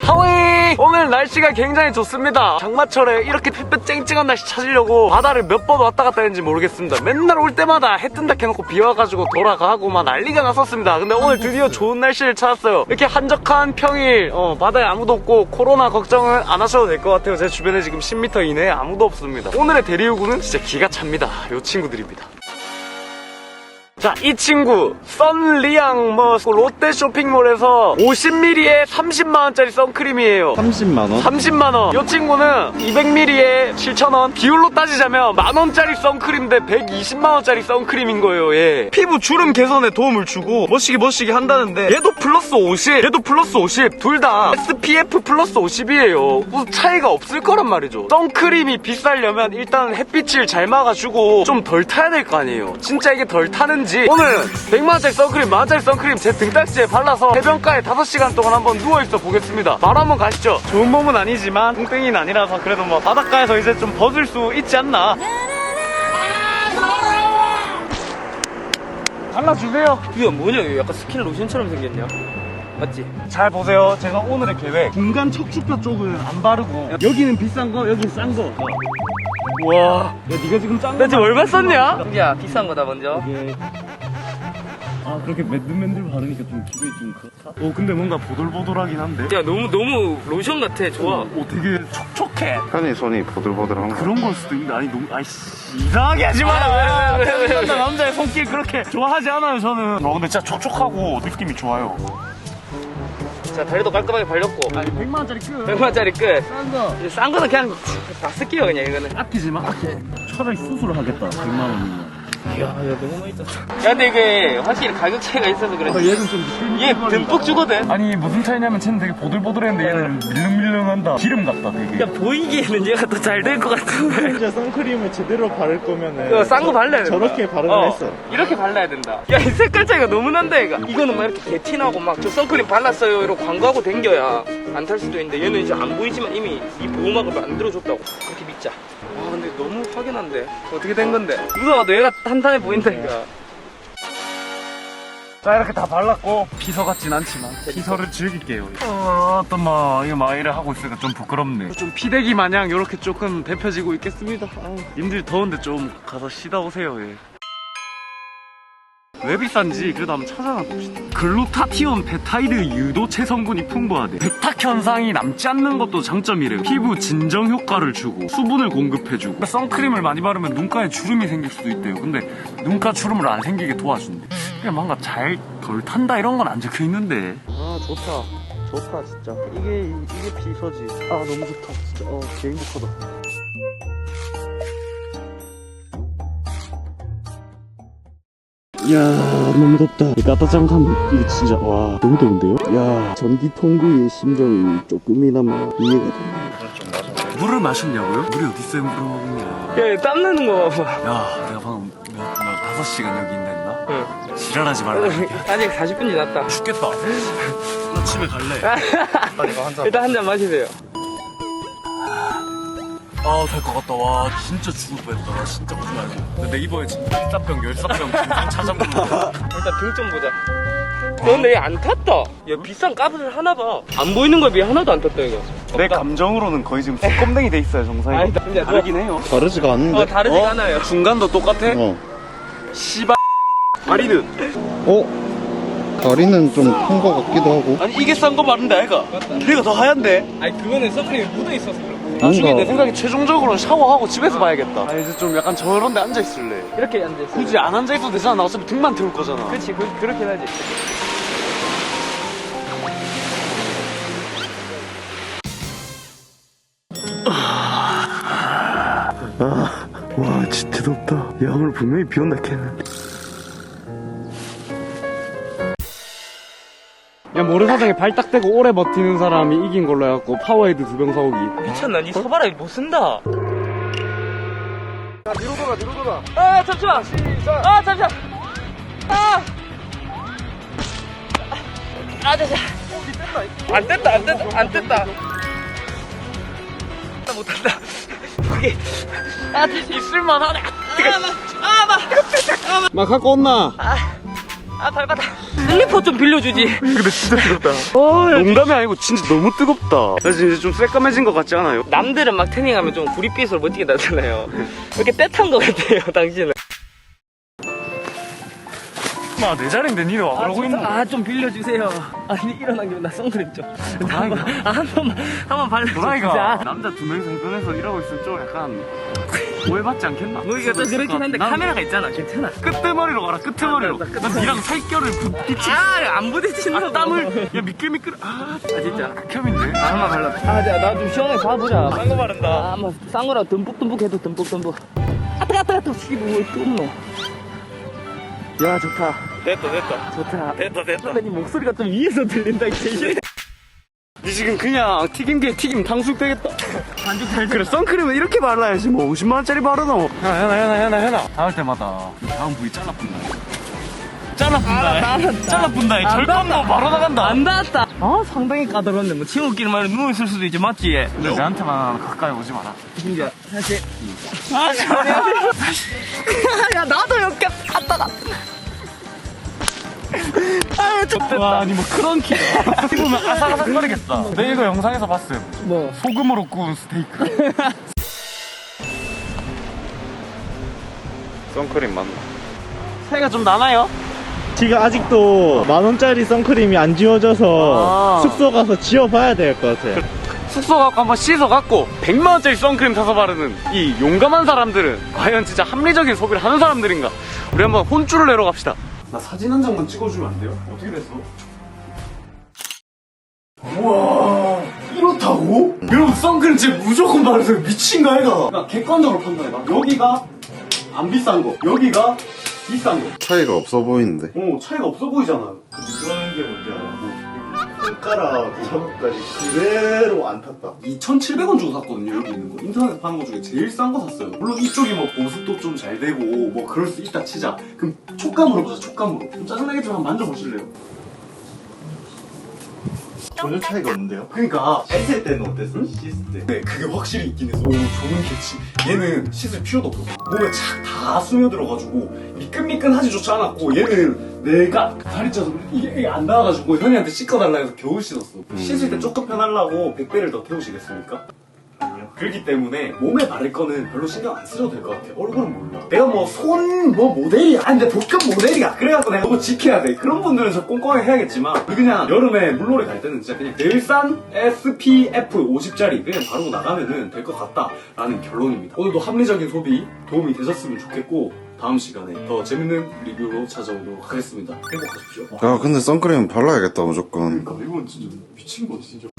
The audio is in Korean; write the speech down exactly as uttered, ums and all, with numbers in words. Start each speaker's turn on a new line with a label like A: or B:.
A: 하위! 오늘 날씨가 굉장히 좋습니다. 장마철에 이렇게 햇볕 쨍쨍한 날씨 찾으려고 바다를 몇 번 왔다 갔다 했는지 모르겠습니다. 맨날 올 때마다 해 뜬다 해놓고 비 와가지고 돌아가고 막 난리가 났었습니다. 근데 오늘 드디어 좋은 날씨를 찾았어요. 이렇게 한적한 평일, 어, 바다에 아무도 없고 코로나 걱정은 안 하셔도 될 것 같아요. 제 주변에 지금 십 미터 이내에 아무도 없습니다. 오늘의 대리우구는 진짜 기가 찹니다. 요 친구들입니다. 자, 이 친구 썬리앙 뭐 롯데 쇼핑몰에서 오십 밀리리터에 삼십만 원짜리 선크림이에요.
B: 삼십만 원?
A: 삼십만 원. 이 친구는 이백 밀리리터에 칠천 원. 비율로 따지자면 만 원짜리 선크림인데 백이십만 원짜리 선크림인 거예요. 예. 피부 주름 개선에 도움을 주고 멋지게 멋지게 한다는데 얘도 플러스 오십, 얘도 플러스 오십. 둘 다 에스피에프 플러스 오십이에요. 무슨 차이가 없을 거란 말이죠. 선크림이 비싸려면 일단 햇빛을 잘 막아주고 좀 덜 타야 될 거 아니에요. 진짜 이게 덜 타는지 오늘 백만 원짜리 선크림, 만 원짜리 선크림 제 등딱지에 발라서 해변가에 다섯 시간 동안 한번 누워있어 보겠습니다. 바로 한번 가시죠. 좋은 몸은 아니지만 뚱땡이는 아니라서 그래도 뭐 바닷가에서 이제 좀 벗을 수 있지 않나. 발라주세요.
C: 이거 뭐냐? 이거 약간 스킨 로션처럼 생겼냐? 맞지?
A: 잘 보세요. 제가 오늘의 계획, 중간 척추뼈 쪽은 안 바르고 여기는 비싼 거, 여기는 싼 거. 와, 야 니가 지금 짠 거. 나 지금 얼마 썼냐?
C: 승기야, 비싼 거다 먼저.
A: 이게 아 그렇게 맨들맨들 바르니까 좀 기분이 좀 그렇다. 오 근데 뭔가 보들보들하긴 한데.
C: 야, 너무 너무 로션 같아. 좋아.
A: 오 되게 촉촉해.
B: 편히 손이 보들보들한 거.
A: 그런 걸 수도 있는데 아니 너무 아이씨 이상하게 하지 마라.
C: 아, 왜, 왜, 왜, 왜, 왜.
A: 남자의 손길 그렇게 좋아하지 않아요 저는. 어 근데 진짜 촉촉하고 느낌이 좋아요.
C: 자, 다리도 깔끔하게 발렸고.
A: 아니 백만 원짜리 끝.
C: 백만 원짜리 끝.
A: 싼 거.
C: 이제 싼 거는 그냥 다 쓸게요, 그냥 이거는.
A: 아끼지 마. 아끼. 차라리 수술을 하겠다. 백만 원이면.
C: 야, 야, 너무 많이 떴어. 야, 근데 이게 확실히 가격 차이가 있어서 그래.
A: 아, 얘는 좀
C: 얘 듬뿍 주거든.
A: 아니 무슨 차이냐면 쟤는 되게 보들보들했는데 얘는 밀릉밀릉한다. 기름 같다 되게.
C: 야, 보이기에는 얘가 더 잘 될 것 같은데.
D: 진짜 선크림을 제대로 바를 거면은
C: 이거 싼 거 발라야 된다.
D: 저렇게 바르긴
C: 어,
D: 했어.
C: 이렇게 발라야 된다. 야, 이 색깔 차이가 너무 난다, 얘가. 이거는 막 이렇게 개티나고 막 저 선크림 발랐어요 이러고 광고하고 댕겨야 안 탈 수도 있는데 얘는 이제 안 보이지만 이미 이 보호막을 만들어줬다고. 그렇게 믿자. 와, 근데 너무 확연한데. 어떻게 된 건데? 누가 봐도 얘가 탄탄해 보인다, 이거.
A: 자 이렇게 다 발랐고 피서 같진 않지만 피서를 즐길게요. 어, 어떤 막 이거 막 이래 하고 있으니까 좀 부끄럽네. 좀 피대기 마냥 이렇게 조금 데펴지고 있겠습니다. 아유, 님들 더운데 좀 가서 쉬다 오세요. 예. 왜 비싼지 그래도 한번 찾아나 봅시다. 글루타티온 베타이드 유도체 성분이 풍부하대. 백탁 현상이 남지 않는 것도 장점이래요. 피부 진정 효과를 주고 수분을 공급해주고. 선크림을 많이 바르면 눈가에 주름이 생길 수도 있대요. 근데 눈가 주름을 안 생기게 도와준대. 그냥 뭔가 잘 덜 탄다 이런 건 안 적혀 있는데. 아 좋다 좋다 진짜. 이게 이게 비서지. 아 너무 좋다 진짜. 어 개 행복하다. 이야 너무 덥다. 까따짱함 이거 진짜 와 너무 더운데요? 야 전기통구의 심정이 조금이나마 이해가 됩니다. 물을 마셨냐고요? 물이 어딨어요 물을.
C: 야, 땀 나는 거 봐봐.
A: 야 내가 방금 몇, 몇 다섯 시간 여기 있나 했나?
C: 응.
A: 지랄하지 말라.
C: 아직 사십 분이 났다.
A: 죽겠다. 나 집에 갈래.
C: 일단 한 잔 마시세요.
A: 아 될 것 같다. 와 진짜 죽을 뻔했다. 나 진짜 오지 말고. 내 이번에 진짜 일사병 열사병 중상 찾아보는 거.
C: 일단 등 좀 보자. 너 근데 얘 안 탔다. 야, 비싼 값을 하나 봐. 안 보이는 거에 비해 하나도 안 탔다, 이거.
A: 내 감정으로는 거의 지금 껌댕이 돼 있어요 정상이.
C: 아니다, 근데
A: 다르긴 해요.
B: 다르지가 않은데?
C: 어, 다르지가
A: 어?
C: 않아요.
A: 중간도 똑같아?
B: 어.
A: 씨발 다리는
B: 어? 다리는 좀 큰 거 같기도 하고.
A: 아니 이게 싼 거 맞는데 아이가? 얘가 더 하얀데?
C: 아니, 그거는 선크림이 묻어있어서 그래.
A: 나중에
B: 뭔가-
A: 내 생각에 최종적으로는 샤워하고 집에서 봐야겠다. 아 이제 좀 약간 저런 데 앉아있을래.
C: 이렇게 앉아있어.
A: 굳이 안 앉아있어도 되잖아. 나 어차피 등만 태울 거잖아.
C: 그치, 그, 그렇긴 하지.
A: 와 진짜 덥다. 야 오늘 분명히 비 온다 했는데. 야 모래사장에 발 딱 대고 오래 버티는 사람이 이긴 걸로 해갖고 파워헤드 두 병 사오기.
C: 미쳤나? 니 서바라 못 쓴다.
A: 자 뒤로 돌아 뒤로 돌아.
C: 아, 잠시만. 아, 잠시만. 아! 아, 잠시만. 안 뗐다, 안 뗐다, 안 뗐다. 나 못한다. 거기. 아, 있을만 하네. 아, 나, 아, 나.
A: 막 갖고 온나?
C: 아, 아 발바닥. 슬리퍼 좀 빌려주지.
A: 근데 진짜 뜨겁다. 농담이 아니고 진짜 너무 뜨겁다. 나 지금 이제 좀 새까매진 것 같지 않아요?
C: 남들은 막 태닝하면 좀 구릿빛으로 멋지게 나잖아요. 이렇게 때탄 것 같아요, 당신은.
A: 마, 내 자리인데 니네 와 그러고 있는 거야.
C: 아, 좀 빌려주세요. 아니, 일어난 김에 나 선크림 좀. 한 번, 아, 한 번만, 한 번 발라줘.
A: 도라이가 남자 두 명이서 해변에서 일하고 있으면 좀 약간 오해받지 않겠나?
C: 너희가 또 그렇긴 한데
A: 난
C: 카메라가 있잖아. 괜찮아.
A: 끝머리로 가라 끝머리로. 난 니랑 살결을 부딪히.
C: 아, 안 부딪힌다고.
A: 아, 땀을 야 미끌미끌. 아,
C: 아, 진짜.
A: 극혐인데.
C: 아, 한번 발라. 아, 자, 나 좀 시원하게 봐보자.
A: 딴거 바른다.
C: 아, 한번 싼 거라 듬뿍듬뿍 해도 듬뿍듬뿍. 아, 뜨거, 뜨거, 뜨거. 씨발, 왜 뚫노? 야, 좋다.
A: 됐다 됐다.
C: 좋다.
A: 됐다 됐다.
C: 선배님 목소리가 좀 위에서 들린다, 이제.
A: 니 지금 그냥 튀김기에 튀김 탕수육 되겠다. 반죽 잘 그래 선크림은 이렇게 발라야지 뭐 오십만 원짜리 바르노. 야 현아 현아 현아 현아 닿을 때마다 다음 부위 잘라뿐다. 잘라뿐다. 잘라뿐다. 절감도 바로 나간다.
C: 안 닿았다. 아, 상당히 까다롭네. 뭐, 친구끼리 말로 누워있을 수도 있지, 맞지?
A: 근데 내한테만 가까이 오지 마라.
C: 진짜, 사실. 아, 야, 나도 여기 갔다가. 아, 좀.
A: 와 아니 뭐 크런키. 씹으면 아삭아삭거리겠다. 내 이거 영상에서 봤음.
C: 뭐.
A: 소금으로 구운 스테이크. 선크림 맞나? 차이가 좀 나나요?
D: 지금 아직도 만원짜리 선크림이 안 지워져서
A: 아.
D: 숙소 가서 지워봐야 될 것 같아요.
A: 숙소 갖고 한번 씻어갖고 백만 원짜리 선크림 사서 바르는 이 용감한 사람들은 과연 진짜 합리적인 소비를 하는 사람들인가? 우리 한번 혼쭐을 내러 갑시다. 나 사진 한 장만 찍어주면 안 돼요? 어떻게 됐어? 우와 이렇다고? 여러분 선크림 진짜 무조건 바르세요. 미친 거 아이가? 나 객관적으로 판단해봐. 여기가 안 비싼 거, 여기가 비싼 거.
B: 차이가 없어 보이는데.
A: 어 차이가 없어 보이잖아.
D: 그런 게 뭔지 알아? 손가락 자국까지 그대로 안 탔다.
A: 이천칠백 원 주고 샀거든요. 여기 있는 거 인터넷에 파는 거 중에 제일 싼 거 샀어요. 물론 이쪽이 뭐 보습도 좀 잘 되고 뭐 그럴 수 있다 치자. 그럼 촉감으로 보자. 촉감으로. 좀 짜증나겠지만 한번 만져보실래요?
D: 전혀 차이가 없는데요?
A: 그러니까
D: 씻을 때는 어땠어? 씻을 때.
A: 네 그게 확실히 있긴 해서 오 좋은 캐치. 얘는 씻을 필요도 없어. 몸에 착 다 스며들어가지고 미끈미끈하지조차 않았고 얘는 내가 다리 쪄서 이게, 이게 안 나와가지고 현이한테 씻어달라 해서 겨우 씻었어. 씻을 때 조금 편하려고 백 배를 더 태우시겠습니까?
D: 아니요.
A: 그렇기 때문에 몸에 바를 거는 별로 신경 안 쓰셔도 될 것 같아. 얼굴은 몰라. 내가 뭐 손 뭐 모델이야. 아니 근데 복근 모델이야. 그래갖고 내가 너무 지켜야 돼. 그런 분들은 저 꼼꼼하게 해야겠지만 우리 그냥 여름에 물놀이 갈 때는 진짜 그냥 넬산 에스피에프 오십짜리 그냥 바르고 나가면은 될 것 같다라는 결론입니다. 오늘도 합리적인 소비 도움이 되셨으면 좋겠고 다음 시간에 더 재밌는 리뷰로 찾아오도록 하겠습니다. 행복하십시오.
B: 야 근데 선크림 발라야겠다 무조건.
A: 그러니까 이건 진짜 미친 거지 진짜.